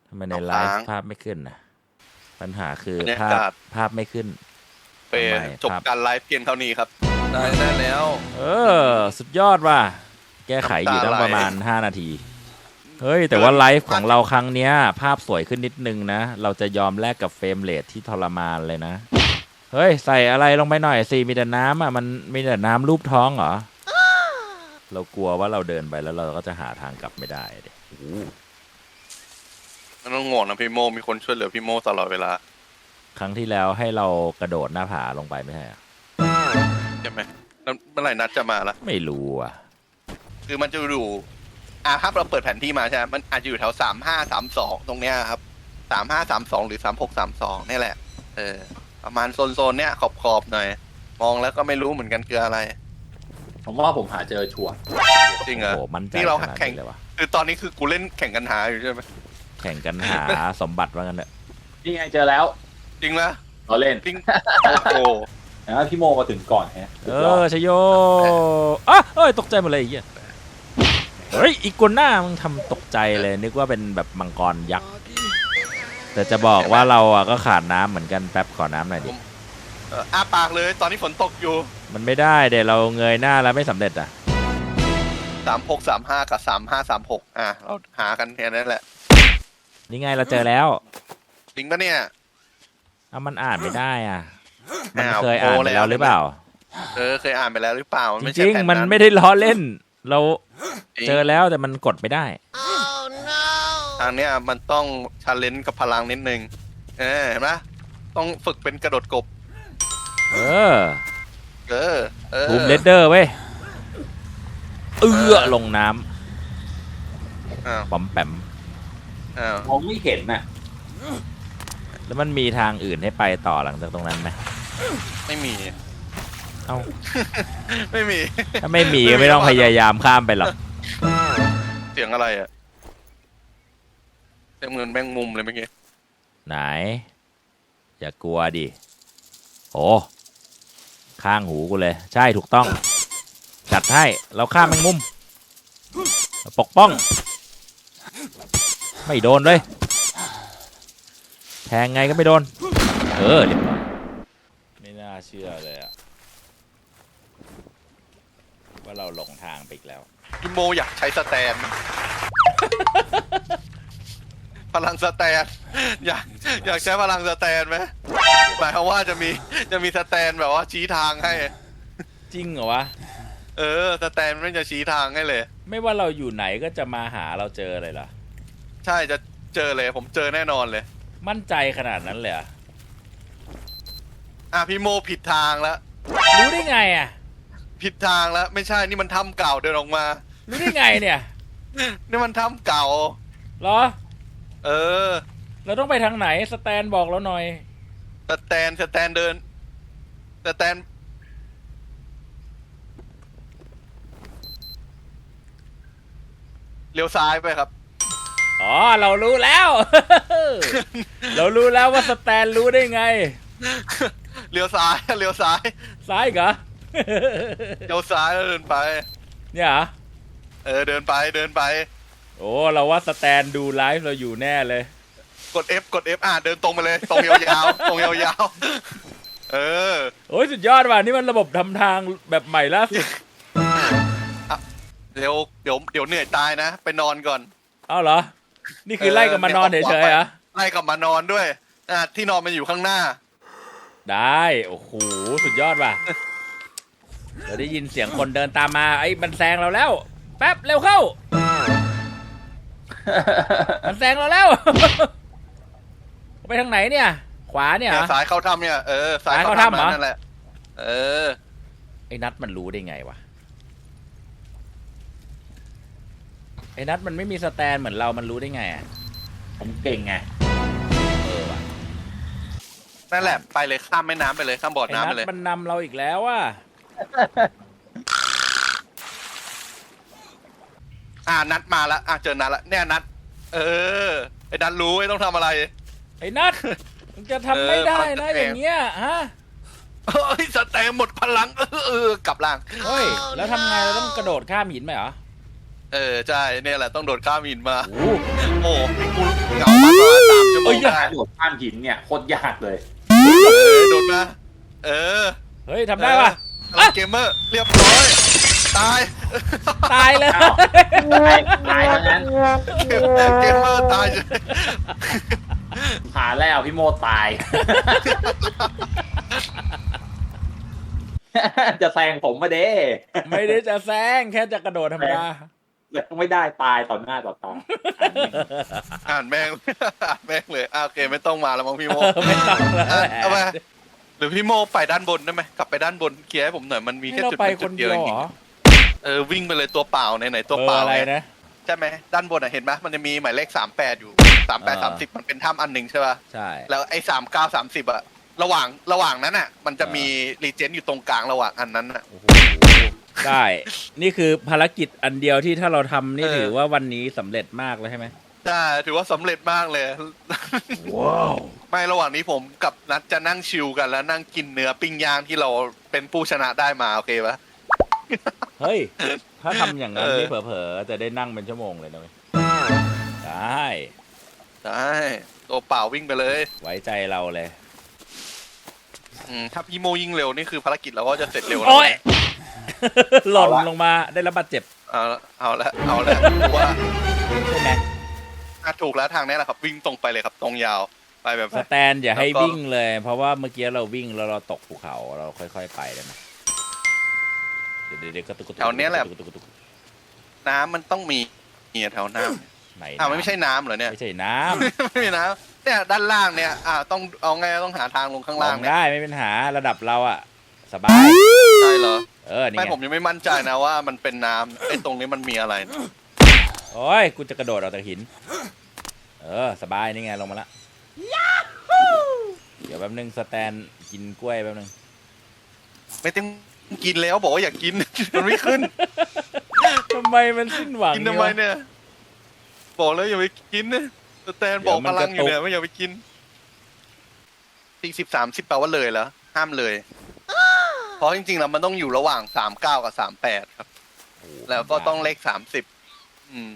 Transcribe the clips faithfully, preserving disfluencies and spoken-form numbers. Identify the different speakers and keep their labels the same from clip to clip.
Speaker 1: ทำไมในไลฟ์ภาพไม่ขึ้นนะปัญหาคือภาพภาพไม่ขึ้น
Speaker 2: ไปจบการไลฟ์เพียงเท่านี้ครับได้ได้แล้ว
Speaker 1: เออสุดยอดว่ะแก้ไขอยู่ตั้งประมาณห้านาทีเฮ้ยแต่ว่าไลฟ์ของเราครั้งเนี้ยภาพสวยขึ้นนิดนึงนะเราจะยอมแลกกับเฟรมเรทที่ทรมานเลยนะเฮ้ยใส่อะไรลงไปหน่อยสิมีแต่น้ำอ่ะมันมีแต่น้ำรูปท้องเหรอเรากลัวว่าเราเดินไปแล้วเราก็จะหาทางกลับไม่ได้เด็
Speaker 2: มันต้องห่วงนะพี่โมมีคนช่วยเหลือพี่โมตลอดเวลา
Speaker 1: ครั้งที่แล้วให้เรากระโดดหน้าผาลงไปไม่ใช่เหรอ
Speaker 2: ใช่ไหมแล้วเมื่อไหร่นัดจะมาละ
Speaker 1: ไม่รู้อ่ะ
Speaker 2: คือมันจะอยู่อ่าถ้าเราเปิดแผนที่มาใช่ไหมมันอาจจะอยู่แถวสามห้าสามสองตรงเนี้ยครับสามห้าสามสองหรือสามหกสามสองนี่แหละเออประมาณโซนโซนเนี้ยขอบขอบหน่อยมองแล้วก็ไม่รู้เหมือนกันคืออะไร
Speaker 3: ผมว่าผมหาเจอชัวร์
Speaker 2: จริงเหรอ
Speaker 1: นี่
Speaker 2: เราแข่งคือตอนนี้คือกูเล่นแข่งกันหาอยู่ใช่ไหม
Speaker 1: แข่งกันหาสมบัติว่ากันเนอะ
Speaker 3: นี่ไงเจอแล้ว
Speaker 2: จริงละ
Speaker 3: เราเล่น
Speaker 2: จริงโอ้โห
Speaker 3: นะพี่โมมาถึงก่อนฮะ
Speaker 1: เออชโยอ่ะเอ้ยตกใจหมดเลยไอ้เหี้ยเฮ้ยอีกัวน่ามึงทำตกใจเลยนึกว่าเป็นแบบมังกรยักษ์แต่จะบอกว่าเราอ่ะก็ขาดน้ำเหมือนกันแป๊บขอน้ำหน่อยดิ
Speaker 2: อ้าปากเลยตอนนี้ฝนตกอยู่
Speaker 1: มันไม่ได้เดี๋ยวเราเงยหน้าแล้วไม่สำเร็จอ่ะ
Speaker 2: สามหกสามห้ากับสามห้าสามหกอ่ะเราหากันแค่นั้นแหละ
Speaker 1: นี่ไงเราเจอแล้ว
Speaker 2: จริงปะเนี่ย
Speaker 1: เอามันอ่านไม่ได้อ่ะมันเคยอ่านไปแล้วหรือเปล่า
Speaker 2: เออเคยอ่านไปแล้วหรือเปล่า
Speaker 1: จริงมันไม่ได้ล้อเล่นเราเจอแล้วแต่มันกดไม่ได้
Speaker 2: ทางเนี้ยมันต้องชาเลนจ์กับพลังนิดนึงเออเห็นไหมต้องฝึกเป็นกระโดดกบ
Speaker 1: เออ
Speaker 2: เออเออ
Speaker 1: ทูมเลดเดอร์เว้ยเอื้อลงน้ำปั๊มแปม
Speaker 3: มองไม่เห็นน่ะ
Speaker 1: แล้วมันมีทางอื่นให้ไปต่อหลังจากตรงนั้นไหม
Speaker 2: ไม่มี
Speaker 1: เอ้า
Speaker 2: ไม่มี
Speaker 1: ถ้าไม่มีก็ไม่ต้องพยายามข้ามไปหรอก
Speaker 2: เสียงอะไรอ่ะเสียงเหมือนแมงมุมเลยเมื่อกี้
Speaker 1: ไหนอย่ากลัวดิโอ้ข้างหูกูเลยใช่ถูกต้องจัดให้เราข้ามแมงมุมปกป้องไม่โดนเลยแทงไงก็ไม่โดนเออเรียบร้อยไม่น่าเชื่อเลยอะว่าเราหลงทางไปอีกแล้ว
Speaker 2: พี่โมอยากใช้สแตนพลังสแตนอยากอยากใช้พลังสแตนไหมหมายความว่าจะมีจะมีสแตนแบบว่าชี้ทางให้
Speaker 1: จริงเหรอวะ
Speaker 2: เออสแตนไม่จะชี้ทางให้เลย
Speaker 1: ไม่ว่าเราอยู่ไหนก็จะมาหาเราเจอเลยเหรอ
Speaker 2: ใช่จะเจอเลยผมเจอแน่นอนเลย
Speaker 1: มั่นใจขนาดนั้นเลยอ่ะ
Speaker 2: อ่ะพี่โมผิดทางแล้ว
Speaker 1: รู้ได้ไงอ่ะ
Speaker 2: ผิดทางแล้วไม่ใช่นี่มันถ้ำเก่าเดินออกมา
Speaker 1: รู้ได้ไงเนี่ย
Speaker 2: นี่มันถ้ำเก่า
Speaker 1: เหรอ
Speaker 2: เออ
Speaker 1: เราต้องไปทางไหนสแตนบอกเราหน่อย
Speaker 2: สแตนสแตนเดินสแตนเลี้ยวซ้ายไปครับ
Speaker 1: อ๋อเรารู้แล้วเรารู้แล้วว่าสแตนรู้ได้ไง
Speaker 2: เลี้ยวซ้ายเลี้ยวซ้าย
Speaker 1: ซ้ายเหรอ
Speaker 2: เลี้ยวซ้ายแล้วเดินไป
Speaker 1: เนี่ยเหรอ
Speaker 2: เออเดินไปเดินไป
Speaker 1: โอ้เราว่าสแตนดูไลฟ์เราอยู่แน่เลย
Speaker 2: กด F กด F อ่ะเดินตรงไปเลยตรงยาวๆตรงยาวๆเออ
Speaker 1: โอ้ยสุดยอดว่ะนี่มันระบบทำทางแบบใหม่ล่าสุด
Speaker 2: เดี๋ยวเดี๋ยวเดี๋ยวเหนื่อยตายนะไปนอนก่อน
Speaker 1: อ้าวเหรอนี่คือไล่กับมานอนเฉยๆเหรอ
Speaker 2: ไล่กับมานอนด้วยอ่ะที่นอนมันอยู่ข้างหน้า
Speaker 1: ได้โอ้โหสุดยอดว่ะเราได้ยินเสียงคนเดินตามมาไอ้มันแซงเราแล้วแป๊บเร็วเข้ามันแซงเราแล้วไปทางไหนเนี่ยขวาเนี่ย
Speaker 2: ซ้ายเข้าถ้ำเนี่ยเออ
Speaker 1: ซ้ายเข้าถ้ำเหรอ
Speaker 2: นั่นแหละเออ
Speaker 1: ไอ้นัทมันรู้ได้ไงวะไอ้นัทมันไม่มีสแตนเหมือนเรามันรู้ได้ไงอ่ะ
Speaker 3: ผมเก่งไง
Speaker 1: เออว่ะ
Speaker 2: นั่นแหละไปเลยข้ามแม่น้ำไปเลยข้ามบ่อน้ำไปเลย
Speaker 1: มันนำเราอีกแล้วว่ะ
Speaker 2: อ่านัดมาแล้วอ่ะเจอนัดแล้วเนี่ยนัดเออไอ้นัดรู้ไอ้ต้องทำอะไร
Speaker 1: ไอ้นัดมึงจะทำไม่ได้นะอย่างเงี้ยฮะ
Speaker 2: เฮ้ยสแตนหมดพลังเออเออกลับล่าง
Speaker 1: เฮ้ยแล้วทำไงเราต้องกระโดดข้ามหินไหมเหรอ
Speaker 2: เออใช่เนี่ยแหละต้องโดดข้ามหินมาโอ้โหกูเหงามาก
Speaker 3: จะโดดข้ามหินเนี่ยโคตรยากเลย
Speaker 2: เออโดนมาเออ
Speaker 1: เฮ้ยทำได้ป่ะ
Speaker 2: เออเกมเมอร์เรียบร้อยตาย
Speaker 1: ตายเลย
Speaker 3: อ้าว ตายตายทั้งนั้น
Speaker 2: เกมเมอร์ตาย
Speaker 3: หาแล้วพี่โมตาย จะแซงผมมาเด้
Speaker 1: ไม่ได้จะแซงแค่จะกระโดดธรรมดา
Speaker 3: ไม่ได้ตายต่อหน้าต่อตา
Speaker 2: อ่านแม่ง อ่านแม่งเลยอ่ะโอเคไม่ต้องมาแล้วมั้งพี่โม
Speaker 1: ไม่ต้องแล้ว
Speaker 2: อ่ะ
Speaker 1: แหละ
Speaker 2: เอาไปหรือพี่โมไปด้านบนได้ไหมกลับไปด้านบนเคลียร์ให้ผมหน่อยมันมี
Speaker 1: ให้
Speaker 2: แค่
Speaker 1: เรา
Speaker 2: จุด
Speaker 1: ไป
Speaker 2: นั้น
Speaker 1: ค
Speaker 2: จุ
Speaker 1: น
Speaker 2: ด
Speaker 1: เดี
Speaker 2: เดี
Speaker 1: ย
Speaker 2: ยวว
Speaker 1: เหร
Speaker 2: จริง
Speaker 1: อ
Speaker 2: ๆเออวิ่งไปเลยตัวเปล่าไหนไหนตัว
Speaker 1: เบอ
Speaker 2: เปล่า
Speaker 1: ร์อะไร
Speaker 2: ไง
Speaker 1: นะ
Speaker 2: ใช่ไหมด้านบนอ่ะเห็นไหมมันจะมีหมายเลขสามแปดอยู่สามแปดสามสิบมันเป็นถ้ำอันหนึ่งใช่ป่ะ
Speaker 1: ใช่
Speaker 2: แล้วไอ้สามเก้าสามสิบอะระหว่างระหว่างนั้นอ่ะ มันจะมีรีเจนอยู่ตรงกลางระหว่างอันนั้นอ่ะ
Speaker 1: โอ้โหได้ นี่คือภารกิจอันเดียวที่ถ้าเราทำนี่
Speaker 2: เออ
Speaker 1: ถือว่าวันนี้สำเร็จมากเลยใช่ไหม
Speaker 2: ใช่ถือว่าสำเร็จมากเลย
Speaker 1: ว้าว
Speaker 2: ไม่ระหว่างนี้ผมกับนัดจะนั่งชิลกันแล้วนั่งกินเนื้อปิ้งย่างที่เราเป็นผู้ชนะได้มาโอเคปะ
Speaker 1: เฮ้ย ถ้าทำอย่างนั้น
Speaker 2: เออ
Speaker 1: นี่เผลอๆจะได้นั่งเป็นชั่วโมงเลยนะเว้ยได้
Speaker 2: ได้ตัวเปล่าวิ่งไปเลย
Speaker 1: ไว้ใจเราเลย
Speaker 2: อืมถ้าพี่โมยิ่งเร็วนี่คือภารกิจเราก็จะเสร็จเร็วนะ
Speaker 1: โอ้ย หล่นลงมาได้รับบาดเจ็บ
Speaker 2: เอาละเอาละเอาละผมว่า
Speaker 1: ใช่ไหม
Speaker 2: อ่ะถูกแล้วทางนี้แหละครับ วิ่งตรงไปเลยครับ ตรงยาวไปแบบ
Speaker 1: สแตนอย่าให้
Speaker 2: แล้วก็
Speaker 1: วิ่งเลย เพราะว่าเมื่อกี้เราวิ่งแล้วเราตกภูเขาเราค่อยๆไปได้ไหมเดี๋ยวเดี๋ยวกระตุกกระตุก
Speaker 2: แถวเนี้ยแหละ
Speaker 1: กระตุกกระตุก
Speaker 2: น้ำมันต้องมีเนี่ยแถวน้ำ
Speaker 1: ไหน
Speaker 2: อ้าวมันไม่ใช่น้ำเหรอเนี่ย
Speaker 1: ไม่ใช่น้
Speaker 2: ไม่มีน้ำเนี่ยด้านล่างเนี่ยอ่าต้องเอาไงต้องหาทางลงข้าง
Speaker 1: ำล
Speaker 2: ล่าง
Speaker 1: ง
Speaker 2: เนี่ย
Speaker 1: ได้ไม่เป็นปัญหาระดับเราอะสบาย
Speaker 2: ใช่เหรอ
Speaker 1: เออนี่
Speaker 2: ไม่
Speaker 1: ไง
Speaker 2: ผมยังไม่มั่นใจนะว่ามันเป็นน้ำไอ้ตรงนี้มันมีอะไรนะ
Speaker 1: โอ้ยกูจะกระโดดออกจากหิน เออสบายนี่ไงลงมาละเดี๋ยวแป๊บนึงสแตนกินกล้วยแป๊บนึง
Speaker 2: ไม่ต้องกินแล้วบอกว่าอยากกิน มันไม่ขึ้น
Speaker 1: ทำไมมันสิ้นหวัง
Speaker 2: กินทำไมเนี่ยบอกแล้วอย่าไปกินนะสแตนบอกพลังอยู่เนี่ยไม่อย่าไปกินสี่สิบสามสิบแปลว่าเลยแล้วห้ามเลย เพราะจริงๆแล้วมันต้องอยู่ระหว่างสามเก้ากับสามแปดครับ
Speaker 1: โอ้โห
Speaker 2: แล้วก็ต้องเลขสามสิบอืม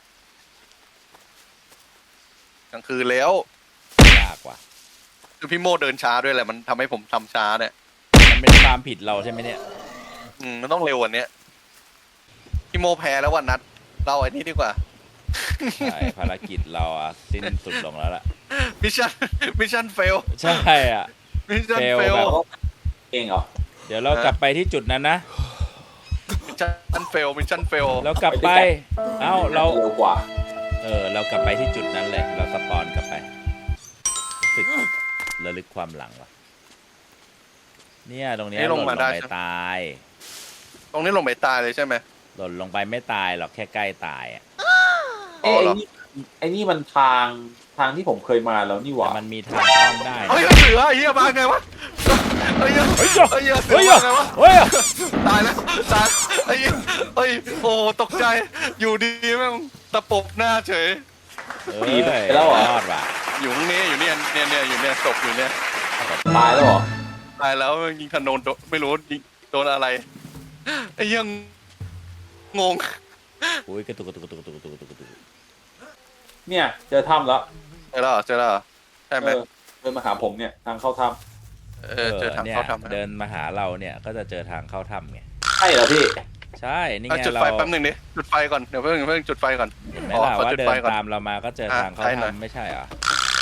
Speaker 2: กลางคืนแล้ว
Speaker 1: ยากว่ะ
Speaker 2: คือพี่โมเดินช้าด้วยแหละมันทำให้ผมทำช้าเนี่ย
Speaker 1: มันเป็นความผิดเราใช่ไหมเนี่ย
Speaker 2: อืมมันต้องเร็วกว่านี้พี่โมแพ้แล้ววันนัดเราไอ้นี่ดีกว่า
Speaker 1: ใช่ภารกิจเราอะสิ้นสุดลงแล้วล่ะ
Speaker 2: มิชชั่นมิชชั่นเฟล
Speaker 1: ใช่อ่ะ
Speaker 2: มิชชั่น
Speaker 1: fail
Speaker 2: เฟล
Speaker 1: แบบ
Speaker 3: เองเหรอ
Speaker 1: เดี๋ยวเรากลับไปที่จุดนั้นนะ
Speaker 2: มิชชั่นเฟลมิชชั่นเฟล
Speaker 1: เรากลับไป เอ้าเรา
Speaker 3: เร็วกว่า
Speaker 1: เออ เรากลับไปที่จุดนั้นเลย เราสปอนกลับไปรู้สึกระลึกความหลังว่ะ เนี่ยตรงเนี้ยหล่นลงไปตาย
Speaker 2: ตรงนี้ลงไปตายเลยใช่ไหม
Speaker 1: หล่นลงไปไม่ตายหรอกแค่ใกล้ตายอ่ะ
Speaker 2: อ๋อ
Speaker 3: เอ้ย
Speaker 2: เหรอ
Speaker 3: ไอ้นี่ไอ้นี่มันทางทางที่ผมเคยมาแล้วนี่ห
Speaker 1: แต่
Speaker 3: ว่า
Speaker 1: มันมีทางอ้อมได้
Speaker 2: เฮ้ยเสือไอ้เหี้ยมาไงวะไอ้เหี้ย
Speaker 1: เฮ้ย
Speaker 2: ไอ้เหี้ยเสือ
Speaker 1: เฮ้ย
Speaker 2: มาไงวะ
Speaker 1: เฮ้ย
Speaker 2: ตายแล้วตายไอ้เหี้ยเฮ้ยโอ้ตกใจอยู่ดีแม่งตะปบหน้าเฉย
Speaker 1: เอ้ยรอดว่ะ
Speaker 2: อยู่ตรงนี้อยู่เนี่ยเนี่ยเนี่ยอยู่เนี่ยศพอยู่เนี่ย
Speaker 3: ตายแล้วเหรอ
Speaker 2: ตายแล้วยิงธนูโดนไม่รู้ยิงโดนอะไรไอ้เหี้ยังงง
Speaker 1: อุ้ยกระตุกกระตุกกระตุกกระตุกกระตุกกระตุกกระตุก
Speaker 3: เนี่ยเจอถ้ำแล้ว
Speaker 2: เจอแล้วเหรอเจอแล้วเหรอใช่ไหม
Speaker 3: เออเดินมาหาผมเนี่ยทางเข้าถ้
Speaker 2: เออเจอทาง
Speaker 1: เนี่ย
Speaker 2: เข้าทำ
Speaker 1: เดินมาหาเราเนี่ยก็จะเจอทางเข้าถ้ำไง
Speaker 3: ำใช่เหรอพี่
Speaker 1: ใช่ นี่
Speaker 2: เอา
Speaker 1: ไง
Speaker 2: จุด
Speaker 1: เรา
Speaker 2: ไฟแป๊บหนึงดิจุดไฟก่อนเดี๋ยวเพิ่งเพิ่งจุดไฟก่อน
Speaker 1: เห็นไหม
Speaker 2: อ๋อ
Speaker 1: ล่ะ
Speaker 2: ขอ
Speaker 1: ว่า
Speaker 2: จุด
Speaker 1: เดิน
Speaker 2: ไฟก่อน
Speaker 1: ตามเรามาก็เจอ
Speaker 2: อ่ะ
Speaker 1: ทางเข้า
Speaker 2: ใช่หน่อย
Speaker 1: ถ้ำไม่ใช่เหรอ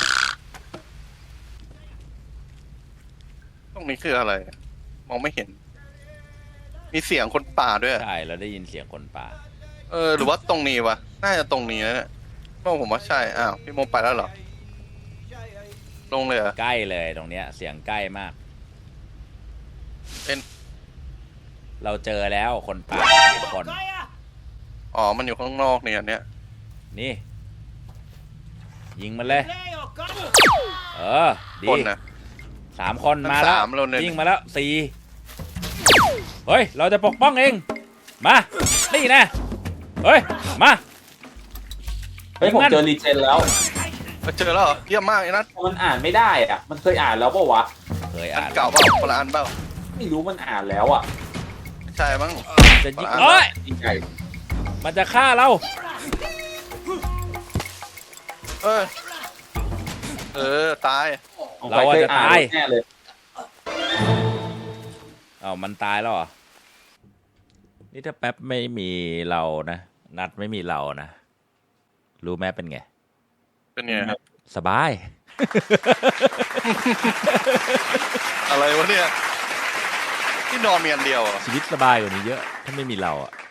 Speaker 2: ตรงนี้คืออะไร มองไม่เห็น มีเสียงคนป่าด้วย
Speaker 1: ใช่เราได้ยินเสียงคนป่า
Speaker 2: เออหรือว่าตรงนี้วะน่าจะตรงนี้นะเนี่ยเพราะผมว่าใช่อ้าวพี่โมไปแล้วเหรอลงเลยเหรอ
Speaker 1: ใกล้เลยตรงเนี้ยเสียงใกล้มาก
Speaker 2: เป็น
Speaker 1: เราเจอแล้วคนป่าคน
Speaker 2: อ๋อมันอยู่ข้างนอกเนี่ยอันเนี่ย
Speaker 1: นี่ ยิงมันเลย เออดี
Speaker 2: คนนะ
Speaker 1: สามคน
Speaker 2: ทั้ง
Speaker 1: มาแล้ว
Speaker 2: สามเราเลย
Speaker 1: วิ่งมาแล้วสี่เฮ้ยเราจะปกป้องเองมานี่นะเฮ้ยมา
Speaker 3: เฮ้ยผม
Speaker 1: งั้น
Speaker 3: เจอรีเจนแล้ว
Speaker 2: เจอแล้วเหรอเยี่ยมมากไอ้นัท
Speaker 3: มันอ่านไม่ได้อ่ะ มันเคยอ่านแล้วเปล่าวะ
Speaker 1: เคย
Speaker 2: อัน
Speaker 1: อ่าน
Speaker 2: เก่าเปล่าคนละอันเปล่า
Speaker 3: ไม่รู้มันอ่านแล้วอ่ะ
Speaker 2: ใช่มั้ง
Speaker 1: จะยิง
Speaker 2: อ่าน
Speaker 1: เอ้ย
Speaker 3: จริงใหญ่
Speaker 1: มันจะฆ่าเรา
Speaker 2: เออเออตาย
Speaker 1: เราอาจจะตาย
Speaker 3: แน่เลย
Speaker 1: เอามันตายแล้วเหรอ นี่ถ้าแป๊บไม่มีเรานะ นัดไม่มีเรานะ รู้แม่เป็นไง
Speaker 2: เป็นไงครับ
Speaker 1: สบาย
Speaker 2: อะไรวะเนี่ยที่นอนมีอันเดียวเหรอ
Speaker 1: ชีวิตสบายกว่านี้เยอะ ถ้าไม่มีเราอะ